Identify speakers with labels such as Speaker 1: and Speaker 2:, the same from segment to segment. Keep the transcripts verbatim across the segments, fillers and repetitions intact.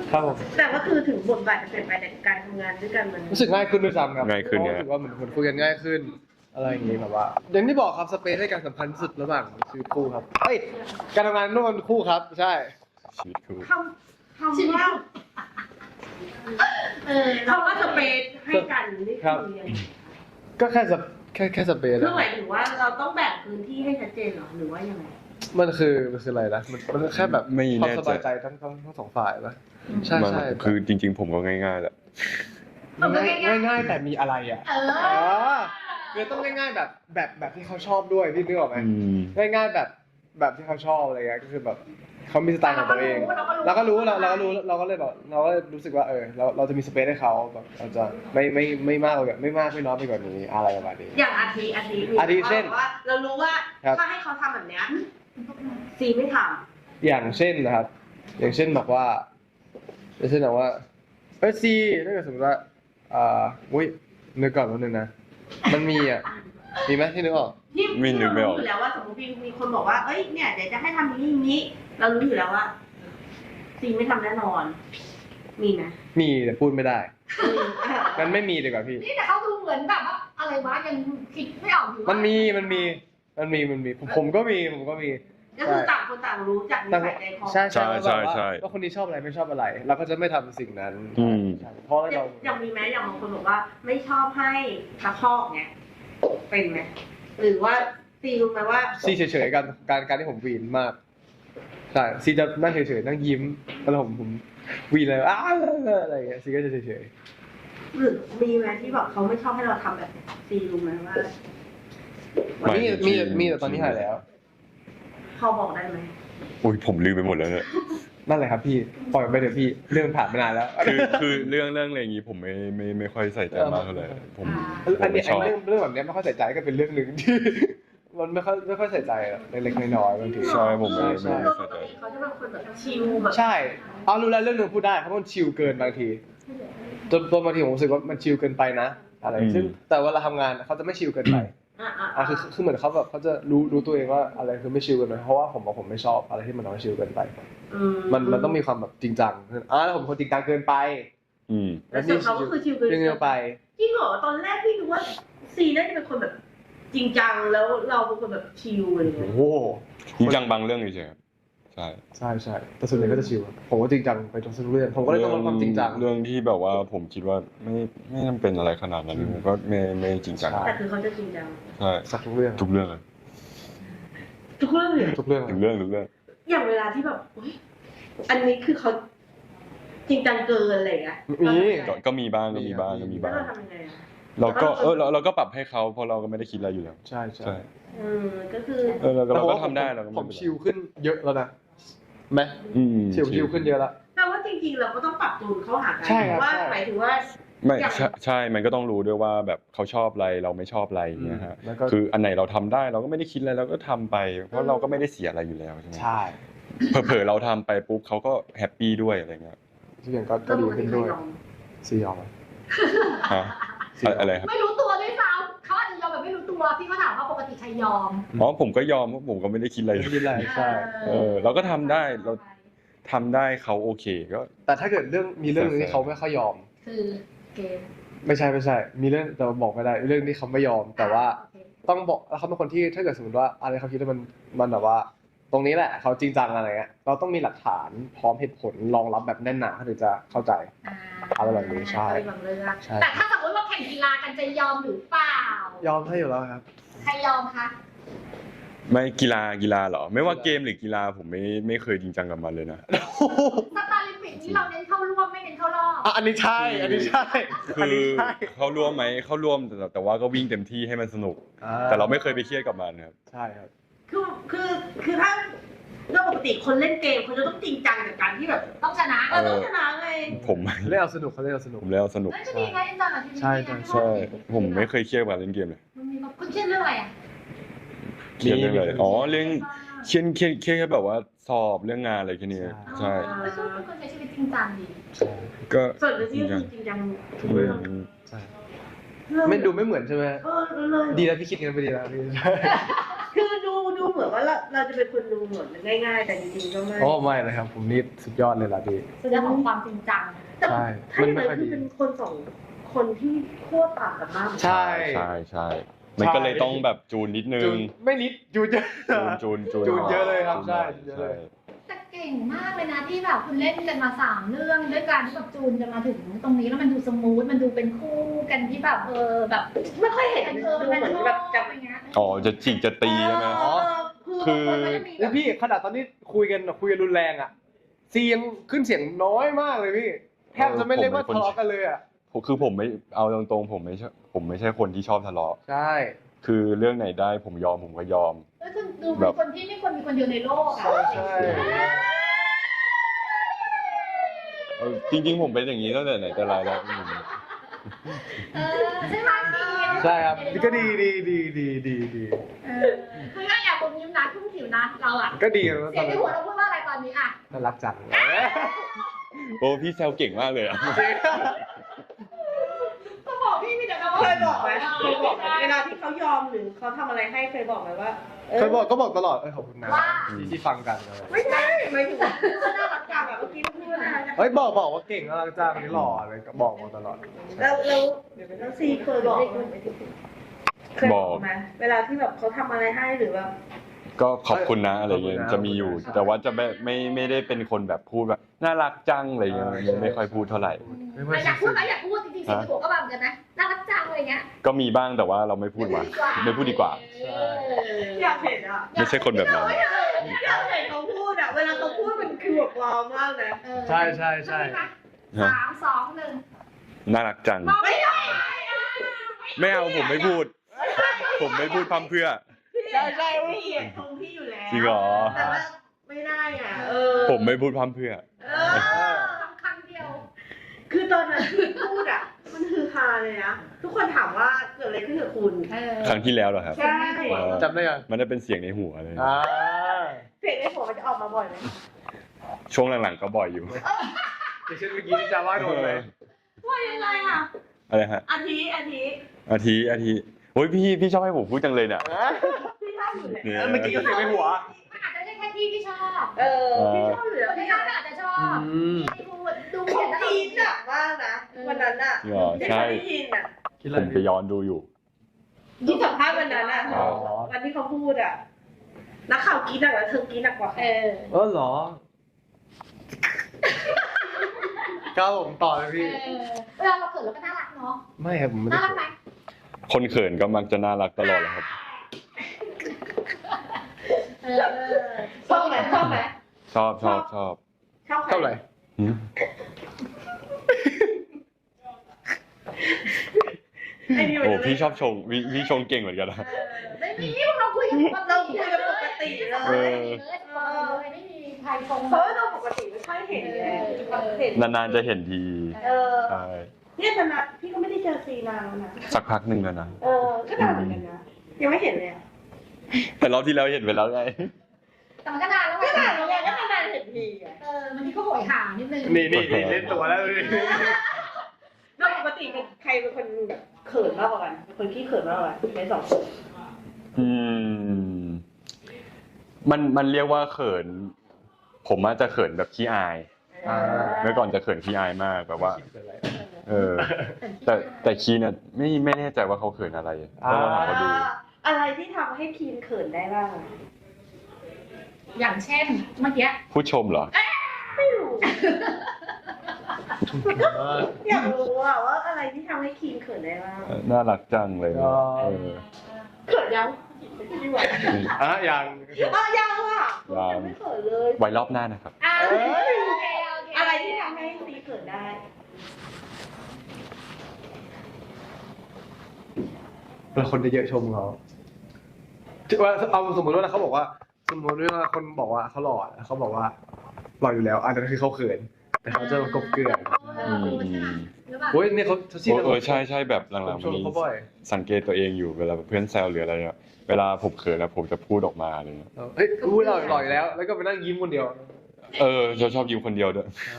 Speaker 1: ครับผม
Speaker 2: แต่ก็คือถึงบทบาทจะเปลี่ยนไปแต่การทำงานด้วยกันมัน
Speaker 1: รู้สึกง่ายขึ้นด้วยซ้ำครับ
Speaker 3: ง่ายขึ้น
Speaker 1: เพ
Speaker 3: เนี่
Speaker 1: ราะ
Speaker 3: ย
Speaker 1: รู้สึกว่าเหมือนเหมือนคุยกันง่ายขึ้นอะไรอย่างงี้แบบว่าอย่างที่บอกครับสเปซให้การสำคัญที่สุดระหว่างชีวิตคู่ครับเฮ้ยการทำงานร่วมกันคู่ครับใช่
Speaker 3: ชีวิตคู่
Speaker 2: คำคำว่าเออคำว่าสเปซให้กันนี่คือยังไง
Speaker 1: ก็แค่สแค่แค่สเปซ
Speaker 2: คือหมายถึงว่าเราต้องแบ่งพื้นที่ให้ชัดเจนเหรอหรือว่ายังไง
Speaker 1: มันคือมันคืออะไรนะมันมันแค่แบบ
Speaker 3: ไม่
Speaker 1: ความ
Speaker 3: แน่
Speaker 1: ส
Speaker 3: ใจ
Speaker 1: บายใจทั้งทั้งทั้งสองฝ่ายปะใช่
Speaker 3: มัน
Speaker 1: ใช่
Speaker 3: คือจริง ๆ ผมก็ง่ายๆแหละ
Speaker 1: ง่ายง่ายๆแต่มีอะไรอ่ะ
Speaker 4: เอ
Speaker 1: อ๋อ
Speaker 4: อ
Speaker 1: คือต้องง่ายๆแบบแบบแบบที่เขาชอบด้วยพี่นึกออกไหม
Speaker 3: อืม
Speaker 1: ง่ายๆแบบแบบที่เขาชอบอะไรเงี้ยก็คือแบบเขามีสไตล์ของตัวเองเราก็รู้เราเราก็รู้เราก็เลยแบบเราก็รู้สึกว่าเออเราเราจะมีสเปซให้เขาแบบเราจะไม่ไม่ไม่มากกว่าไม่มากไม่น้อยไปกว่านี้อะไรประมาณนี้
Speaker 2: อย่างอาทิอาทิมี
Speaker 1: อาทิเช่น
Speaker 2: ว่าเรารู้ว่า
Speaker 1: ครับ
Speaker 2: ถ้าให้เขาทำแบบเนี้ยซีไม่ท
Speaker 1: อย่างเช่นนะครับ อย่างเช่นบอกว่าอย่างเช่นบอกว่าเออซีถ้าเกิดสมมติว่าอ่าอุ้ยนึกก่อนวันนึงนะมันมีอ่ะมีไหมที่นึกออก
Speaker 2: ำที่
Speaker 3: ไม่
Speaker 2: ที่
Speaker 3: นึก
Speaker 2: เรา
Speaker 3: ไม่อ
Speaker 2: รู้
Speaker 3: อก
Speaker 2: อยู่แล้วว่าสมมติมีมีคนบอกว่าเอ้ยเนี่ยเดี๋ยวจะให้ทำอย่างนี้อย่างนี้ เรารู้อยู่แล้วว่าซีไม่ทำแน่นอน มีไหม
Speaker 1: มีแต่พูดไม่ได้งั้นไม่มีดีกว่าพี่
Speaker 4: นี่แต่เขาดูเหมือนแบบว่าอะไรวะยังคิดไม่ออกอยู่ว่า
Speaker 1: มันมีมันมีมันมีมันมีผมผมก็มีผมก็มี
Speaker 2: ก็คือต่างคนต่างรู้จักนิ
Speaker 1: แต่
Speaker 2: สัยใจคอ
Speaker 1: ใช่ใช่
Speaker 3: ใช่
Speaker 1: ว่า
Speaker 3: ใช่
Speaker 1: ว่าคนนี้ชอบอะไรไม่ชอบอะไร เราก็จะไม่ทำสิ่งนั้น
Speaker 3: อืม
Speaker 1: ใช่เพราะ
Speaker 2: อย่า
Speaker 1: เรา
Speaker 2: งอย่างมีไหมอย่างบางคนบอกว่าไม่ชอบให้ตะคอกเนี่ยเป็นไหมหรือว่าซีรู้ไหมว่า
Speaker 1: ซีเฉยๆกันการการที่ผมวีนมากใช่ซีจะนั่งเฉยๆนั่งยิ้มแล้วผมผมวีนเลยอ้าอะไรอย่างเงี้ยซีก็จะเฉย
Speaker 2: หรือมีไหมที่แบบเขาไม่ชอบให้เราทำแบบนี้ซีรู้ไหมว่า
Speaker 1: ๆมีมีมีแต่ตอนนี้หายแล้ว
Speaker 2: พอบอกได้ไหม
Speaker 3: อุ้ยผมลืมไปหมดแล้วเนี่ย
Speaker 1: นั่นแหละครับพี่ปล่อยไปเถอะพี่เรื่องผ่านมานานแล้ว
Speaker 3: คือคือเรื่องเรื่องอะไรอย่างงี้ผมไม่ไม่ไม่ค่อยใส่ใจมากเท่าไหร่ผมผ
Speaker 1: อัน
Speaker 3: ม
Speaker 1: นี้
Speaker 3: ไม่ชอบ
Speaker 1: เรื่องเรื่องแบบเนี้ยไม่ค่อยใส่ใจก็เป็นเรื่องหนึ่งที่ มันไม่ค่อยไม่ค่อยใส่ใจหรอกเล็กๆน้อยๆบางที
Speaker 3: ใช่ผมไม่
Speaker 1: ใช่
Speaker 3: ไม่
Speaker 2: โดยปกติเขาจะเป็นคนแบบชิลแบบ
Speaker 1: ใช่เอารู้แล้วเรื่องหนึงพูดได้เพราะมันชิลเกินบางทีจนตัวบางทีผมรู้สึกว่ามันชิลเกินไปนะอะไรซึ่งแต่เวลาทำงานเขาจะไม่ชิลเกินไป
Speaker 2: อ่ะอ่ะ
Speaker 1: อ่ะคือคือเหมือนเขาแบบเขาจะรู้รู้ตัวเองว่าอะไรคือไม่ชิลเกินไปเพราะว่าผมบอกผมไม่ชอบอะไรที่มันทำให้ชิลเกินไป มันมันต้องมีความแบบจริงจังอ่าแล้วผมเป็นคนจริงจังเกินไป
Speaker 3: อืม
Speaker 2: แต่ส่วนเขาก็คือชิลเกิน
Speaker 1: เกินไป
Speaker 2: จริงเหรอตอนแรกพี่นึกว่าซีน่าจะเป็นคนแบบจริงจังแล้วเราเป็นคนแบบชิลอะไร
Speaker 1: โอ้
Speaker 2: เงี้ย
Speaker 1: โห
Speaker 3: จริงจังบางเรื่องเฉยๆครับใช่
Speaker 1: ใช่ใช่แต่ส่วนใหญ่ก็จะชิลครับผมก็จริงจังไปทุกเรื่องผมก็เลยต้องลดความจริงจัง
Speaker 3: เรื่องที่แบบว่าผมคิดว่าไม่ไม่จำเป็นอะไรขนาดนั้นผมก็ไม่ไม่จริงจัง
Speaker 1: ใช่
Speaker 2: แต่คือเขาจะจริงจัง
Speaker 3: ใช่
Speaker 1: สักทุกเรื่อง
Speaker 3: ทุกเรื่องเลย
Speaker 2: ทุกเรื่องเลย
Speaker 1: ทุกเรื่อง
Speaker 3: ทุกเรื่องทุกเรื่อง
Speaker 2: อย่างเวลาที่แบบอุ๊ยอันนี้คือเขาจริงจังเกินอะไรอย่างเงี้ย
Speaker 1: มี
Speaker 3: ก็ก็มีบ้างก็มีบ้างก็มี
Speaker 2: แล้ว
Speaker 3: บ้าง
Speaker 2: เราทำยังไงอะ
Speaker 3: เราก็เออเราเราก็ปรับให้เขาเพราะเราก็ไม่ได้คิดอะไรอยู่แล้ว
Speaker 1: ใช่ใช่
Speaker 3: ใช่
Speaker 2: เออก็คือ
Speaker 3: เออเราก็เราก็
Speaker 1: แต่ผม
Speaker 3: ทำได้เราก็
Speaker 1: ผ
Speaker 3: ไม่
Speaker 1: ม
Speaker 3: เป็นไร
Speaker 1: ชิลขึ้นเยอะแล้วนะไหม
Speaker 3: อืม
Speaker 1: ชิลชิลขึ้นเยอะแล้ว
Speaker 2: แปลว่าจริงๆ เราก็ต้องปรับจูนเข้าหากั
Speaker 1: ใช่ครับ
Speaker 2: ว่า
Speaker 1: ใช่
Speaker 2: หมายถึงว่า
Speaker 3: ไม่
Speaker 2: อย่าง
Speaker 3: ใช่ใช่มันก็ต้องรู้ด้วยว่าแบบเขาชอบอะไรเราไม่ชอบอะไรอย่างเงี้ยฮะ
Speaker 1: แล้วก็
Speaker 3: คืออันไหนเราทำได้เราก็ไม่ได้คิดอะไรเราก็ทำไป เพราะเราก็ไม่ได้เสียอะไรอยู่แล้วใช่ไหม
Speaker 1: ใช่
Speaker 3: เผลอๆเราทำไปปุ๊บเขาก็แฮปปี้ด้วยอะไรเงี้ย
Speaker 1: ทุกอย่างก็ก็ดีขึ้นด้วยซียอมไหม
Speaker 3: ฮะอะอะไรครับ
Speaker 4: ไม่รู้ตัวด้วยซ้ำเขาอาจจะยอมแบบไม่รู้ตัวพี่ก็ถามว่าปกติใครยอม
Speaker 3: อ๋อผมก็ยอมเพราะผมก็ไม่ได้คิดอะไร
Speaker 1: ไม่เป็นไรใช่
Speaker 3: เออเราก็ทำได้เราทำได้เขาโอเคก็
Speaker 1: แต่ถ้าเกิดเรื่องมีเรื่องหนึงที่เขาไม่ค่อยยอม
Speaker 4: คือเกม
Speaker 1: ไม่ใช่ไม่ใช่ มีเรื่องแต่บอกไม่ได้เรื่องที่เขาไม่ยอม แต่ว่าต้องบอกแล้วเขาเป็นคนที่ถ้าเกิดสมมติว่าอะไรเขาคิดว่ามันมันแบบว่า ตรงนี้แหละเขาจริงจังอะไรเงี้ยเราต้องมีหลักฐานพร้อมเหตุผลรองรับแบบแน่นหนาเขาถึงจะเข้าใจ อะไรแบบนี้ใช่
Speaker 2: อะไรบางเรื่อง
Speaker 1: ใช่
Speaker 4: แต่ถ้าสมมติว่าแข่งกีฬากันจะยอมหรือเปล่า
Speaker 1: ยอมให้อยู่แล้วครับ
Speaker 4: ใครยอมคะ
Speaker 3: ไม่กีฬากีฬาเหรอ ไม่ว่าเกมหรือกีฬาผมไม่ไม่เคยจริงจังกับมันเลยนะ
Speaker 4: สตาร์ลิมปิกนี่เราเน้นเข้าร่วมไม่เน้นเข้ารอบ
Speaker 1: อ่ะอันนี้ใช่ อันนี้ใช่
Speaker 3: คื
Speaker 1: อัน
Speaker 3: อ
Speaker 1: นี้ใช่
Speaker 3: เขาร่วมไหมเขาร่วมแต่แต่ว่าก็วิ่งเต็มที่ให้มันสนุก แต่เราไม่เคยไปเครียดกับมันครับ
Speaker 1: ใช่ครับ
Speaker 2: คือคือคือถ้าเรื่องปกติคนเล่นเกมเขาจะต้องจริงจังกับการที่แบบ
Speaker 4: ต้องชนะ
Speaker 2: เออต้องชนะไง
Speaker 3: ผม
Speaker 1: เล่นเอาสนุกเขาเล่นเอาสนุก
Speaker 3: ผมเล่นเอาสนุก
Speaker 4: นั่นก็ดีนะเอ็นจอยกับทีม
Speaker 1: ใช่ใช่
Speaker 3: ใช่ผมไม่เคยเครียดกับเล่นเกมเลย
Speaker 4: มันมีแบบคุณเครียดเรื่องอะไรอ่ะ
Speaker 3: เครียดเรื่องอะไรอ๋อเรื่องเครียดเครียดเครียดแค่แบบว่าสอบเรื่องงานอะไรแค่นี้ใช่
Speaker 4: ไม่ใช่เป็นคนใช้ชีวิตจริงจังดี
Speaker 1: ใช่
Speaker 3: ก็
Speaker 2: ส่วนเรื่องที่จริงจัง
Speaker 1: ทุกเรื่องใช่ไม่ดูไม่เหมือนใช่ไหม
Speaker 2: เออเลย
Speaker 1: ดีแล้วพี่คิดกันไปดีแล้วพี่
Speaker 2: คือดูดูเหมือนมือนว่าเราเราจะเป็นคนดูเหมือนง่ายๆแต่จริงๆก็ไม่
Speaker 1: โอ้ไม่นะครับ ผมนี่สุดยอดเลยล่ะพี่
Speaker 4: แสดงของความจริงจัง
Speaker 1: ใช่
Speaker 2: ถ้า
Speaker 1: มัน
Speaker 2: อย่าง
Speaker 1: ไม่
Speaker 2: นั้
Speaker 1: ค่อย
Speaker 2: นคื
Speaker 1: ดี
Speaker 2: อเป็นคนสองคนที่ขั้วต่างกันมากเหมือนกัน
Speaker 1: ใช่
Speaker 3: ใช่ใช่มันก็เลยต้องแบบจูนนิดนึ
Speaker 1: จู
Speaker 3: ง
Speaker 1: นไม่นิดจูนเยอะ
Speaker 3: จูนจูน
Speaker 1: จูนเยอะเลยครับ
Speaker 3: จูน
Speaker 1: ใช่
Speaker 3: หน่อย
Speaker 1: เยอะเลย
Speaker 4: แต่เก่งมากเลยนะที่แบบคุณเล่นกันมาสามเรื่องด้วยการที่แบบจูนกันมาถึงตรงนี้แล้วมันดูสมูทมันดูเป็นคู่กันที่แบบเออแบบ
Speaker 2: ไม่ค่อยเห็น
Speaker 4: เออ
Speaker 2: ดู
Speaker 4: มัน
Speaker 2: เหมือน
Speaker 4: ชอบ
Speaker 2: แบบจับ
Speaker 4: อะไรเงี้ย
Speaker 3: อ๋อจะจิกจะตีใช่ไหม
Speaker 1: อ๋อ
Speaker 3: คือ
Speaker 2: คนก็จะมีแบ
Speaker 1: แล้ว
Speaker 2: บ
Speaker 1: พี่ขนาดตอนนี้คุยกันคุยกันรุนแรงอ่ะซียังขึ้นเสียงน้อยมากเลยพี่แทบจะไม่เรียกว่าทะเลาะกันเลยอ่ะ
Speaker 3: ผมคือผมไม่เอาตรงๆผมไม่ใช่ผมไม่ใช่คนที่ชอบทะเลาะ
Speaker 1: ใช่
Speaker 3: คือเรื่องไหนได้ผมยอมผมก็ยอม
Speaker 4: เออคุณดูเป็นคนที่ไม่ควรมีคนเดียวในโลกอ่ะ
Speaker 1: ใช่
Speaker 3: เออจริงๆผมเป็นอย่างนี้ตั้งแต่ไหนแต่ไรแล้วผม
Speaker 4: เออใช่ไหมพี่
Speaker 1: ใช่ครับก็ดีดีดีดีดีดี
Speaker 4: เออคือก็อยากผมยิ้มนะทุ่มผิวนะเราอ่ะ
Speaker 1: ก็ดีนะ
Speaker 4: เสียงในหัวเราพูดว่าอะไรตอนนี้อ่ะ
Speaker 1: น่ารักจัง
Speaker 3: โอ้พี่แซวเก่งมากเลยอะ
Speaker 4: ก็บอกพี่มีแต่คำว่า
Speaker 2: เคยบอกไหมเคยบอกไหมเวลาที่เขายอมหรือเขาทำอะไรให้เคยบอกไหมว่า
Speaker 1: เคยบอกก็บอกตลอดเออขอบคุณนะที่ที่ฟังกันอะไร
Speaker 2: ไม่ใช่ไม่ถึงว่าน่ารักจังแบบเมื่อกี้พูดน่ารักจัง
Speaker 1: เฮ้ยบอกบอกว่าเก่งน่ารักจังคนนี้หล่ออะไรก็บอกมาตลอด
Speaker 2: แล้วแล้วแล้วซีเคยบอกเคยบอกไหมเวลาที่แบบเขาทำอะไรให้หรือแบบ
Speaker 3: ก็ขอบคุณนะอะไรเงี้ยจะมีอยู่ แต่ว่าจะไม่ไม่ไม่ได้เป็นคนแบบพูดแบบน่ารักจังอะไรเงี้ยไม่ไม่ค่อยพูดเท่าไหร่
Speaker 1: ไม่ว่า
Speaker 4: อยากพูดไหมอยากพูดจริงๆเสียงในหัวก็แบบกันนะน่ารักจังอะไรเงี้ย
Speaker 3: ก็มีบ้างแต่ว่าเราไม่พูดมาไม่พูดดีกว่า
Speaker 2: อยากเห็นอ่ะ
Speaker 3: ไม่ใช่คนแบบนั้น
Speaker 2: อยากเห็นเขาพูดอ่ะเวลาเขาพูดมันคือแบบว้าวมากนะ
Speaker 1: ใช่ใช่ใช่
Speaker 4: สามสองหนึ่ง
Speaker 3: น่ารักจัง
Speaker 2: ไม่ได้
Speaker 3: ไม่เอาผมไม่พูด ผมไม่พูดพร่ำเพรื่อ
Speaker 2: ใช่ใช่พี่เอียดตรงพี่อยู่แล้ว
Speaker 3: จริงเหรอ
Speaker 2: แต่ว่าไม่ได้อ่ะเออ
Speaker 3: ผมไม่พูดพร่ำเพรื่อ
Speaker 2: เออ
Speaker 4: ครั้งเดียว
Speaker 2: คือตอนนั้นที่พูดอ่ะ มันคือฮาเลยนะ ทุกคนถามว่าเกิดอะไรขึ้นกับคุณ
Speaker 4: เออ
Speaker 3: ครั้งที่แล้วเหรอครับ
Speaker 2: ใช่
Speaker 1: จำได้ยัง
Speaker 3: มันได้เป็นเสียงในหัวเลย
Speaker 1: อ่า
Speaker 2: เพลงในหัวมันจะออกมาบ่อยไหม
Speaker 3: ช่วงหลังๆก็บ่อยอยู่
Speaker 1: อย่างเช่นเมื่อกี้ที่จาว่าโดนเลย
Speaker 2: ว่ายังไงอ่ะ
Speaker 3: อะไรฮะ
Speaker 2: อาทิอาทิ
Speaker 3: อาทิอาทิโอ้ยพี่พี่ชอบให้ผมพูดจังเลยเนี่ย
Speaker 2: พี่ชอบอยู่แล้ว
Speaker 3: เนี่ย
Speaker 1: เมื่อกี้ก็เสียงในหัว
Speaker 4: มันอาจจะไม่ใช่แค่พี่ที่ชอบ
Speaker 2: เออพี่ชอบอยู่แล้ว
Speaker 4: คนที่
Speaker 2: พี่
Speaker 4: ชอบอาจจะชอบ
Speaker 1: อืม
Speaker 4: ที่พูดดู
Speaker 2: เขา
Speaker 4: เห็นแล้ว
Speaker 2: จีนหนักมากนะวันนั้นอ่ะ
Speaker 3: เหรอ
Speaker 2: ที่
Speaker 3: ใช่
Speaker 2: เขาได้ยินอ่ะ
Speaker 1: คิดอะ
Speaker 3: ผ
Speaker 1: ไร
Speaker 3: มไปย้อนดูอยู่
Speaker 2: ที่สัมภาษณ์วันนั้นอ่ะ
Speaker 3: อ๋อ
Speaker 2: วันที่เขาพูดอ่ะนักข่าวกรีดหนักแล้วเธอกรีดหนักกว่า
Speaker 4: เอ
Speaker 2: เขา
Speaker 4: อ
Speaker 1: เออเหรอก้าวผมต่อเลย
Speaker 4: เอ
Speaker 1: พี่
Speaker 4: อเวลาเราเขินเราก็น่ารักเนาะ
Speaker 1: ไม่ครับผมไม่ได้
Speaker 4: น่ารักไหม
Speaker 3: คนเขินก็มักจะน่ารักตลอดแหละครับ
Speaker 4: เออ
Speaker 2: ชอบไหมชอบไหม
Speaker 3: ชอบชอบชอบ
Speaker 2: ชอบใคร
Speaker 1: เท่าไหร่
Speaker 3: หืม
Speaker 2: ไอ้นี่มัน
Speaker 3: โอ้
Speaker 2: จะไม่
Speaker 3: พี่ชอบชงพี่พี่ชงเก่งเหมือนกันนะ
Speaker 4: ไม่มีพวกเราคุยกันปก
Speaker 2: เรา
Speaker 4: ติ
Speaker 2: คุยกันปกติเล
Speaker 3: เอย อ
Speaker 4: เลยไม่มีใครชง
Speaker 2: เพราะว่าเราปกติไม่ค่อยเห็นไงเห็น
Speaker 3: นานๆจะเห็นที
Speaker 2: เออ
Speaker 3: ใช่
Speaker 2: เนี่ยขนาดพี่ก็ไม่ได้เจอซีนานแล้วนะ
Speaker 3: สักพักหนึ่งแล้วนะ
Speaker 2: เออ ก็นานเหมือนกันนะ ยังไม่เห็นเลยอะ
Speaker 3: แต่รอบที่แล้วเห็นไปแล้วไง
Speaker 4: แต่มันก็นานแล้วไง
Speaker 2: ก็นานแล้วไงก็นานเห็นทีอะ
Speaker 4: เออมันที่ก็โหยหานิดนึง
Speaker 1: นี่นี่นี่เล่นตัวแล้วนี่
Speaker 2: แล้วปกติเป็นใครเป็นคนแบบเขินมากกว่ากันเป็นคนขี้เขินมากกว่ากันในสองคน
Speaker 3: อืม มันมันเรียกว่าเขิน ผมอาจจะเขินแบบขี้อาย
Speaker 1: อ่า
Speaker 3: เมื่อก่อนจะเขินขี้อายมากแบบว่า เออ แต่แต่คีเนี่ยไม่ไม่แน่ใจว่าเขาเขินอะไรต้องลองถามเขาดู
Speaker 2: อะไรที่ทำให้คีนเขินได้บ้างอะ
Speaker 4: อย่างเช่นเมื่อกี้
Speaker 3: ผู้ชมเหรอ
Speaker 2: ไม่รู้ อยากรู้อะว่าอะไรที่ทำให้คีนเขินได้บ้าง
Speaker 3: น่ารักจังเลยนะเออ
Speaker 2: เขินยังดีกว่า
Speaker 1: อ่ะยัง
Speaker 2: อ่ะยังอ่ะ
Speaker 3: ยัง
Speaker 2: ยังไม่เขินเลย
Speaker 3: ไว้รอบหน้านะครับ
Speaker 4: อ่า
Speaker 1: เอ้ย
Speaker 4: โอเคโอเค
Speaker 2: อะไรที่ทำให้ซีเขินได้
Speaker 1: เป็นคนเยอะๆชมเขาว่าเอาสมมติว่าเขาบอกว่า สมมติว่าคนบอกว่าเขาหล่อเขาบอกว่าหล่ออยู่แล้วอันนั้นคือเขาเขิน แต่เขาจะมากบเกลื่อน
Speaker 4: เออใช่ไหมหรือเปล่า
Speaker 1: โอ้ยเนี่ยเขาเขาชี้
Speaker 3: เออใช่ใช่แบบห
Speaker 1: ผ
Speaker 3: ลั
Speaker 1: ม
Speaker 3: ง
Speaker 1: ช
Speaker 3: ๆ
Speaker 1: ม
Speaker 3: นี้
Speaker 1: เขาบ่อย
Speaker 3: สังเกตตัวเองอยู่เวลาเพื่อนแซวหรืออะไรเนี่ยเวลาผมเขินแล้วผมจะพูดออกมาอะไรเงี้ย
Speaker 1: เฮ้ยพูดหล่อหล่ออยู่แล้ว แล้วก็ไปนั่งยิ้มคนเดียว
Speaker 3: เออจะชอบยิ้มคนเดียวด้วย
Speaker 1: ใช่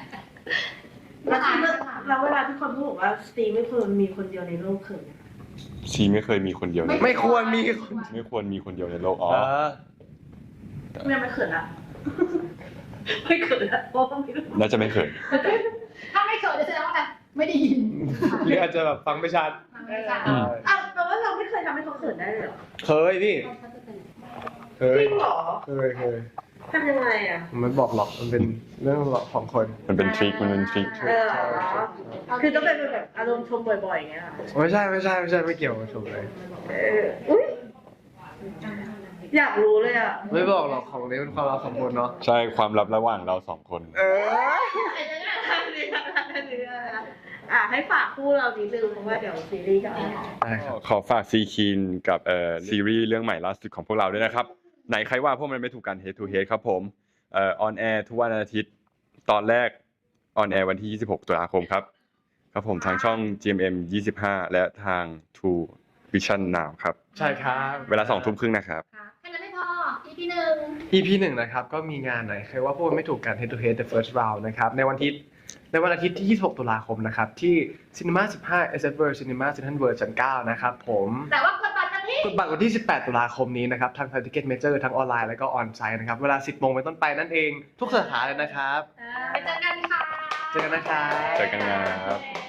Speaker 2: แล้วที่เราเวลาที่คนพูดบอกว่าซีไม่ควรมีคนเดียวในโลกเขิน
Speaker 3: ชีไม่เคยมีคนเดียวใน
Speaker 1: ไม่ควรมี
Speaker 3: ไม่ควรมีคนเดียวในโลกอ๋อ
Speaker 1: เออ
Speaker 2: แม่ไม่เขินละไม่เขินละเพราะว่าไม่รู้
Speaker 3: น่าจะไม่เขิน
Speaker 4: ถ้าไม่เขินจะแสดงว่าอะไรไม่ได้ยิน
Speaker 1: หรืออาจจะแบบฟังไม่ชัด
Speaker 4: ไม่ใช่
Speaker 3: อืม
Speaker 2: อ้าวแปลว่าเราไม่เคยทำให้เขาเขินได้เลยเหรอ
Speaker 1: เคยพี่เคย
Speaker 2: จริงเหรอ
Speaker 1: เคยเคย
Speaker 2: ทำยังไงอ่ะ
Speaker 1: มันไม่บอกหรอกมันเป็นเรื่องของคน
Speaker 3: มันเป็นทริคมันเป็นทริค
Speaker 2: เออคือต้องเป็นแบบอารมณ์ชมบ่อยๆอย่างเงี้ยเหรอ
Speaker 1: ไม่ใช่ไม่ใช่ไม่ใช่ไม่เกี่ยวกับชมเลย
Speaker 2: เอออุ้ยอยากรู้เลยอ่ะ
Speaker 1: ไม่บอกหรอกของนี้เป็นความลับของคนเนาะ
Speaker 3: ใช่ความลับระหว่างเราสองคน
Speaker 1: เออ
Speaker 2: อ่ะให้ฝากคู่เรานิดนึงเพราะว่าเดี๋ยวซีรีส์จะออน
Speaker 1: ได้ครับ
Speaker 3: ขอฝากซีคีนกับเอ่อซีรีส์เรื่องใหม่ล่าสุดของพวกเราด้วยนะครับไหนใครว่าพวกมันไม่ถูกกัน Head to Head ครับผมเอ่อออนแอร์ทุกวันอาทิตย์ตอนแรกออนแอร์วันที่ยี่สิบหกตุลาคมครับครับผมทางช่อง จี เอ็ม เอ็ม ยี่สิบห้าและทาง True Vision Now ครับ
Speaker 1: ใช่ครับ
Speaker 3: เวลาสองทุ่มครึ่งนะครับ
Speaker 4: แค่นั้นไม่พอ อี พี หนึ่ง
Speaker 1: อี พี หนึ่งนะครับก็มีงานไหนใครว่าพวกมันไม่ถูกกัน Head to Head the first round นะครับในวันอาทิตย์ในวันอาทิตย์ที่ยี่สิบหกตุลาคมนะครับที่ Cinema สิบห้า เอส เอฟ World Cinema Central World ชั้นเก้านะครับผม
Speaker 4: แต่ว่ากดบัตรกันที่
Speaker 1: กดบัตรวันที่สิบแปดตุลาคมนี้นะครับทาง Ticket Major ทั้งออนไลน์แล้วก็ออนไซต์นะครับเวลา สิบโมงเป็นต้นไปนั่นเองทุกสาขาเลยนะครับ
Speaker 4: ไปเจอกันค่ะ
Speaker 1: เจอกันนะครับ
Speaker 3: เจอกันครับ